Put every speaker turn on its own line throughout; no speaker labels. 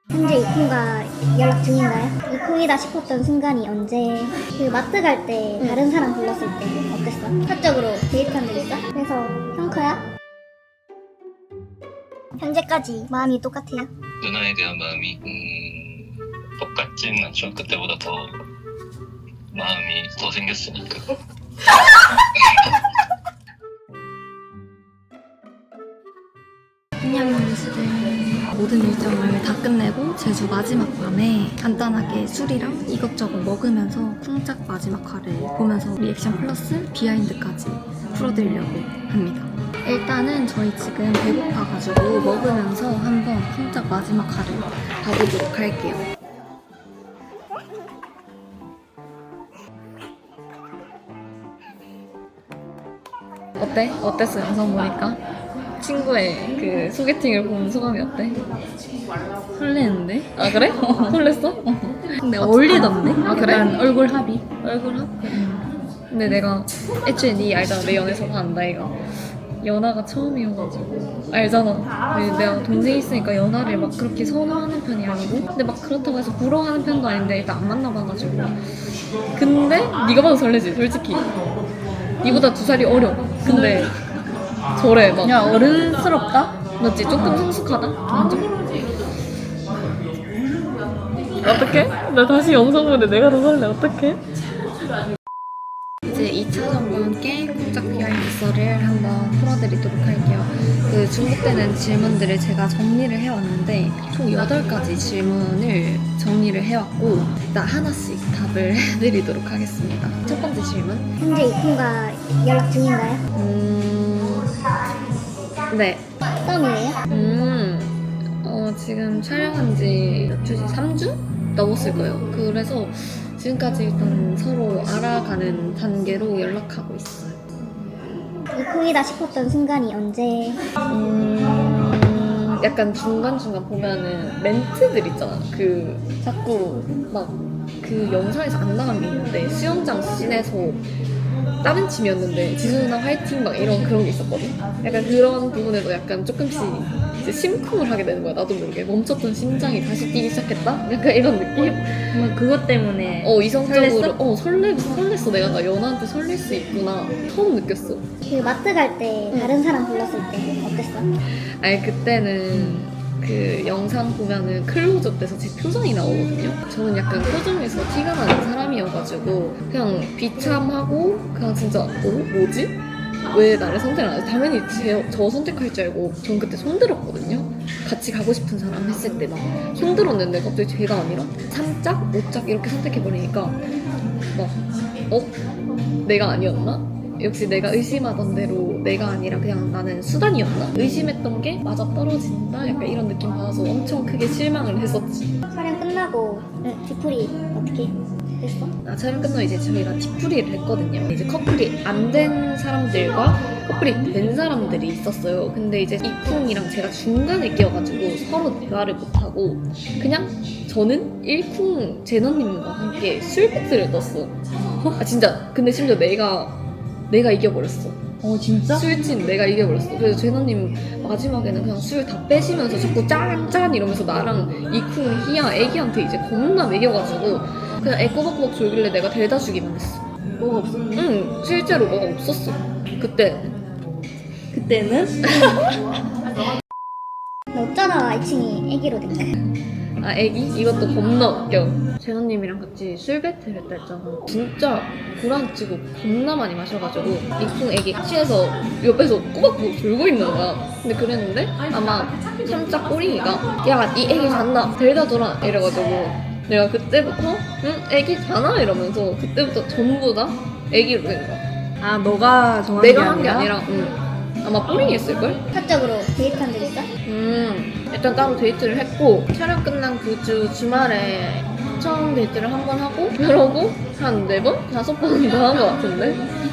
현재 이콩과 연락 중인가요? 이콩이다 싶었던 순간이 언제? 그 마트 갈 때 다른 사람 불렀을 때 어땠어? 사적으로 데이트한 적 있어? 그래서 형커야? 현재까지 마음이 똑같아요?
누나에 대한 마음이 똑같지는 않죠. 그때보다 더 마음이 더 생겼으니까.
한양연수들 모든 일정을 다 끝내고 제주 마지막 밤에 간단하게 술이랑 이것저것 먹으면서 쿵짝 마지막 화를 보면서 리액션 플러스 비하인드까지 풀어드리려고 합니다. 일단은 저희 지금 배고파가지고 먹으면서 한번 쿵짝 마지막 화를 봐보도록 할게요. 어때? 어땠어 영상 보니까? 친구의 그 소개팅을 본 소감이 어때?
설레는데?
아 그래? 설렜어?
근데 어울리던데?
아, 그래?
약간 얼굴 합이.
얼굴 합? 근데 내가 애초에 니 알잖아. 내 연애 서사 안다 이거. 연하가 처음이어가지고 알잖아. 근데 내가 동생 있으니까 연하를 막 그렇게 선호하는 편이 아니고 근데 막 그렇다고 해서 부러워하는 편도 아닌데 일단 안 만나봐가지고 근데 네가 봐도 설레지 솔직히. 니보다 2살이 어려. 근데 저래 막
야, 어른스럽다?
맞지? 조금 성숙하다? 완전. 어떡해? 나 다시 영상 보는데 내가 더 설레. 어떡해? 이제 2차 점과 함께 쿵짝 비하인드 썰을 한번 풀어드리도록 할게요. 그 중복되는 질문들을 제가 정리를 해왔는데 총 8가지 질문을 정리를 해왔고 일단 하나씩 답을 해드리도록 하겠습니다. 첫 번째 질문.
현재 이콩과 연락 중인가요?
네.
썸이에요?
지금 촬영한 지 몇 주지? 3주? 넘었을 거예요. 그래서 지금까지 일단 서로 알아가는 단계로 연락하고 있어요.
이콩이다 싶었던 순간이 언제?
약간 중간중간 보면은 멘트들 있잖아. 그 자꾸 막 그 영상에서 안 나간 게 있는데 수영장 씬에서 다른 팀이었는데 지수 누나 화이팅 막 이런 그런 게 있었거든. 약간 그런 부분에도 약간 조금씩 이제 심쿵을 하게 되는 거야. 나도 모르게 멈췄던 심장이 다시 뛰기 시작했다. 약간 이런 느낌.
뭐 그것 때문에
이성적으로
설렜어?
설렜어. 내가 나 연하한테 설렐 수 있구나 처음 느꼈어.
그 마트 갈 때 다른 사람 불렀을 때 어땠어?
아니 그때는 그 영상 보면은 클로즈업 돼서 제 표정이 나오거든요. 저는 약간 표정에서 티가 나는 사람이어가지고 그냥 비참하고 그냥 진짜 뭐지? 왜 나를 선택 안 해? 당연히 저 선택할 줄 알고 전 그때 손들었거든요. 같이 가고 싶은 사람 했을 때 막 손들었는데 갑자기 제가 아니라 3짝, 5짝 이렇게 선택해버리니까 막 내가 아니었나? 역시 내가 의심하던 대로 내가 아니라 그냥 나는 수단이었나? 의심했던 게 맞아 떨어진다? 약간 이런 느낌 받아서 엄청 크게 실망을 했었지.
촬영 끝나고 뒤풀이 어떻게 됐어?
촬영 끝나고 이제 저희가 뒤풀이를 했거든요. 이제 커플이 안 된 사람들과 커플이 된 사람들이 있었어요. 근데 이제 이쿵이랑 제가 중간에 끼어가지고 서로 대화를 못하고 그냥 저는 1쿵 제너님과 함께 술 배틀을 떴어. 아 진짜. 근데 심지어 내가 이겨버렸어.
진짜?
술진 내가 이겨버렸어. 그래서 제너님 마지막에는 그냥 술 다 빼시면서 자꾸 짠 이러면서 나랑 이쿵, 희야, 애기한테 이제 겁나 먹여가지고 그냥 애 꼬박꼬박 졸길래 내가 데려다 주기만 했어.
뭐가 없었니?
응, 실제로 뭐가 없었어.
그때는?
너 어쩌다 2층이 애기로 된 거야?
아 애기? 이것도 겁나 웃겨. 제너님이랑 같이 술 배틀 했다 했잖아. 진짜 구라치고 겁나 많이 마셔가지고 이쿵 애기 취해서 옆에서 꼬박꼬박 졸고 있는 거야. 근데 그랬는데 아마 삼짝 꼬링이가 야 이 애기 잤나? 데려다 줘라 이래가지고 내가 그때부터 응? 애기 자나? 이러면서 그때부터 전부 다 애기로 된 거야.
아, 너가 정한
내가 한 게 아니라 아마 꼬링이 했을걸?
사적으로 데이트한 적 있어?
일단 따로 데이트를 했고 촬영 끝난 그 주 주말에 처음 데이트를 한 번 하고 그러고 한 4번? 5번 더 한 것 같은데?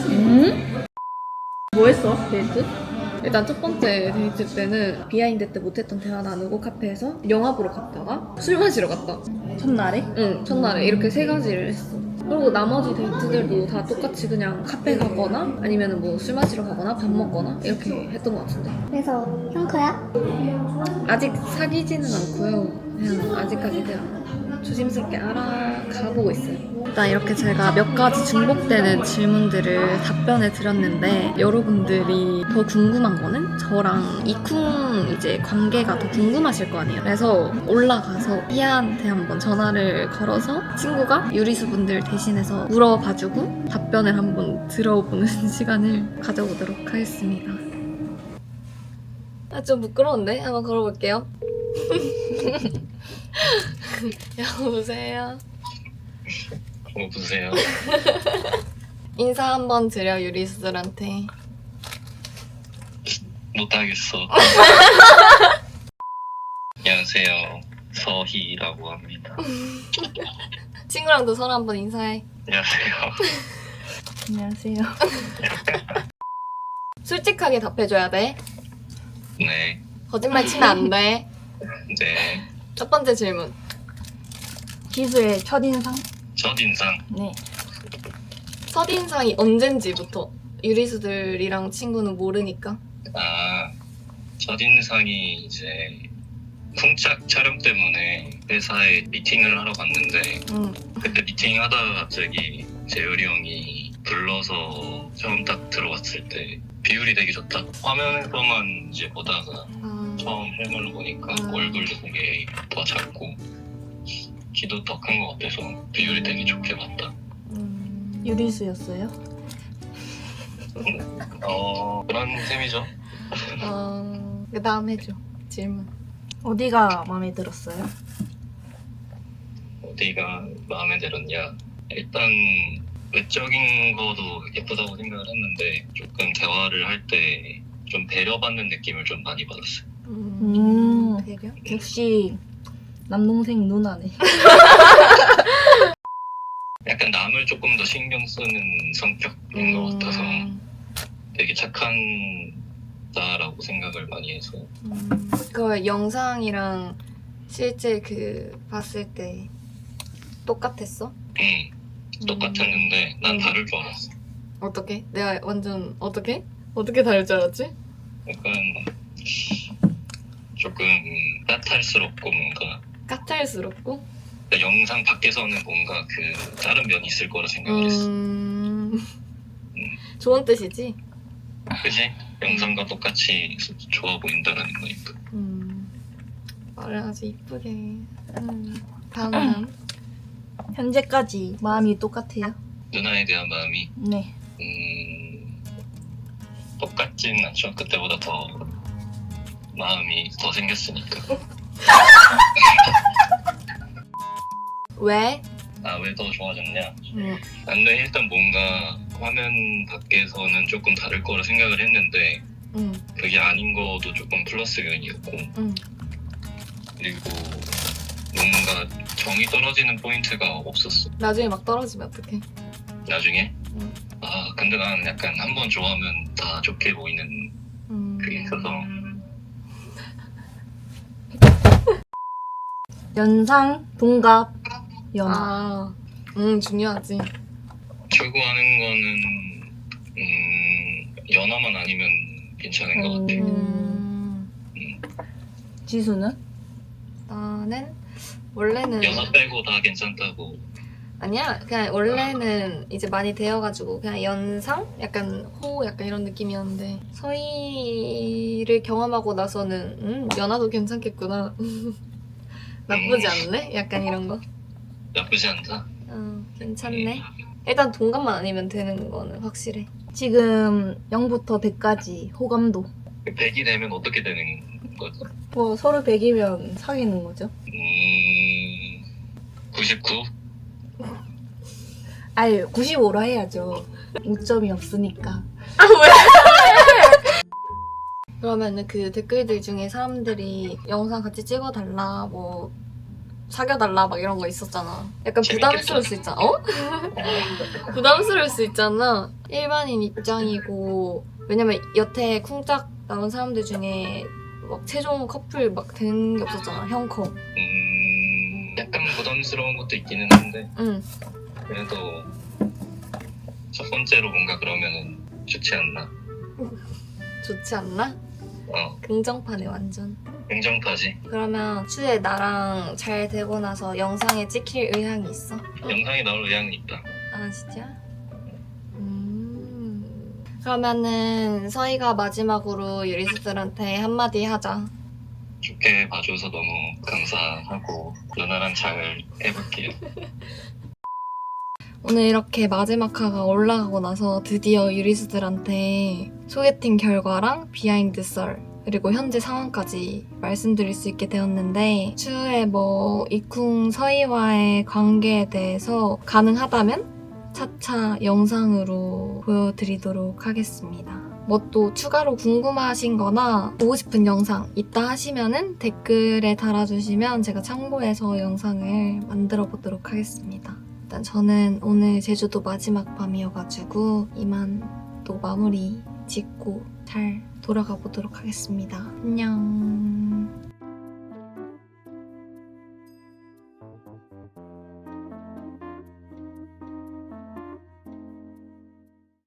뭐 했어? 데이트?
일단 첫 번째 데이트 때는 비하인드 때 못했던 대화 나누고 카페에서 영화 보러 갔다가 술 마시러 갔다.
첫날에?
응, 첫날에 이렇게 3가지를 했어. 그리고 나머지 데이트들도 다 똑같이 그냥 카페 가거나 아니면 뭐 술 마시러 가거나 밥 먹거나 이렇게 했던 것 같은데
그래서 형커야?
아직 사귀지는 않고요. 그냥 아직까지 그냥 조심스럽게 알아가보고 있어요. 일단 이렇게 제가 몇 가지 중복되는 질문들을 답변해 드렸는데 여러분들이 더 궁금한 거는 저랑 이쿵 이제 관계가 더 궁금하실 거 아니에요. 그래서 올라가서 희아한테 한번 전화를 걸어서 친구가 유리수 분들 대신해서 물어봐주고 답변을 한번 들어보는 시간을 가져보도록 하겠습니다. 아, 좀 부끄러운데? 한번 걸어볼게요. 여보세요?
보세요.
인사 한번 드려, 유리수들한테.
못하겠어. 안녕하세요. 서희라고 합니다.
친구랑도 서로 한번 인사해.
안녕하세요.
안녕하세요.
솔직하게 답해줘야 돼.
네.
거짓말 치면 안 돼.
네.
첫 번째 질문.
기수의 첫인상?
첫인상.
네.
첫인상이 언젠지부터. 유리수들이랑 친구는 모르니까.
아, 첫인상이 이제 쿵짝 촬영 때문에 회사에 미팅을 하러 갔는데 그때 미팅하다가 갑자기 재열이 형이 불러서 처음 딱 들어왔을 때 비율이 되게 좋다. 화면에서만 이제 보다가 처음 실물로 보니까 얼굴도 되게 더 작고 키도 더 큰 것 같아서 비율이 되게 좋게 봤다.
유리수였어요?
그런 셈이죠.
그 다음 해줘. 질문.
어디가 마음에 들었어요?
어디가 마음에 들었냐? 일단 외적인 거도 예쁘다고 생각을 했는데 조금 대화를 할 때 좀 배려받는 느낌을 좀 많이 받았어요.
배려?
역시 남동생 누나네.
약간 남을 조금 더 신경 쓰는 성격인 것 같아서 되게 착한 자라고 생각을 많이 해서.
그 영상이랑 실제 그 봤을 때 똑같았어?
똑같았는데 난 다를 줄 알았어.
어떻게? 내가 완전 어떻게? 어떻게 다를 줄 알았지?
약간 조금 까탈스럽고 뭔가
까탈스럽고?
영상 밖에서는 뭔가 그 다른 면이 있을 거라 생각을 했어.
좋은 뜻이지?
그지? 영상과 똑같이 좋아 보인다라는 거니까.
말을 아주 이쁘게. 다음.
현재까지 마음이 똑같아요?
누나에 대한 마음이
네.
똑같진 않죠. 그때보다 더 마음이 더 생겼으니까.
왜?
아, 왜 더 좋아졌냐? 근데 일단 뭔가 화면 밖에서는 조금 다를 거라 생각을 했는데 그게 아닌 것도 조금 플러스 요인이었고 그리고 뭔가 정이 떨어지는 포인트가 없었어.
나중에 막 떨어지면 어떡해?
나중에? 아, 근데 난 약간 한 번 좋아하면 다 좋게 보이는 그게 있어서.
연상, 동갑, 연하.
아, 중요하지.
추구하는 거는 연하만 아니면 괜찮은 것 같아.
지수는?
나는 원래는
연하 빼고 다 괜찮다고.
아니야. 그냥 원래는 이제 많이 되어가지고 그냥 연상? 약간 호 약간 이런 느낌이었는데 서희를 경험하고 나서는 연하도 괜찮겠구나. 나쁘지 않네? 약간 이런 거.
나쁘지 않다.
괜찮네. 일단 동갑만 아니면 되는 거는 확실해.
지금 0부터 100까지 호감도.
100이 되면 어떻게 되는 거지?
뭐 서로 100이면 사귀는 거죠?
99?
아니 95로 해야죠. 5점이 없으니까.
그러면은 그 댓글들 중에 사람들이 영상 같이 찍어달라, 뭐 사귀어달라 막 이런 거 있었잖아. 약간
재밌겠다.
부담스러울 수 있잖아. 어? 부담스러울 수 있잖아. 일반인 입장이고 왜냐면 여태 쿵짝 나온 사람들 중에 막 최종 커플 막 된 게 없었잖아. 형커.
약간 부담스러운 것도 있기는 한데
응.
그래도 첫 번째로 뭔가 그러면은 좋지 않나?
좋지 않나?
어.
긍정파네 완전.
냉정파지.
그러면 추후에 나랑 잘 되고 나서 영상에 찍힐 의향이 있어?
영상이 나올 의향이 있다.
아 진짜? 그러면은 서희가 마지막으로 유리스들한테 한마디 하자.
좋게 봐줘서 너무 감사하고 누나랑 잘 해볼게요.
오늘 이렇게 마지막 화가 올라가고 나서 드디어 유리스들한테 소개팅 결과랑 비하인드 썰 그리고 현재 상황까지 말씀드릴 수 있게 되었는데 추후에 뭐 이쿵 서희와의 관계에 대해서 가능하다면 차차 영상으로 보여드리도록 하겠습니다. 뭐 또 추가로 궁금하신 거나 보고 싶은 영상 있다 하시면은 댓글에 달아주시면 제가 참고해서 영상을 만들어 보도록 하겠습니다. 일단 저는 오늘 제주도 마지막 밤이어가지고 이만 또 마무리 짓고 잘 돌아가 보도록 하겠습니다. 안녕.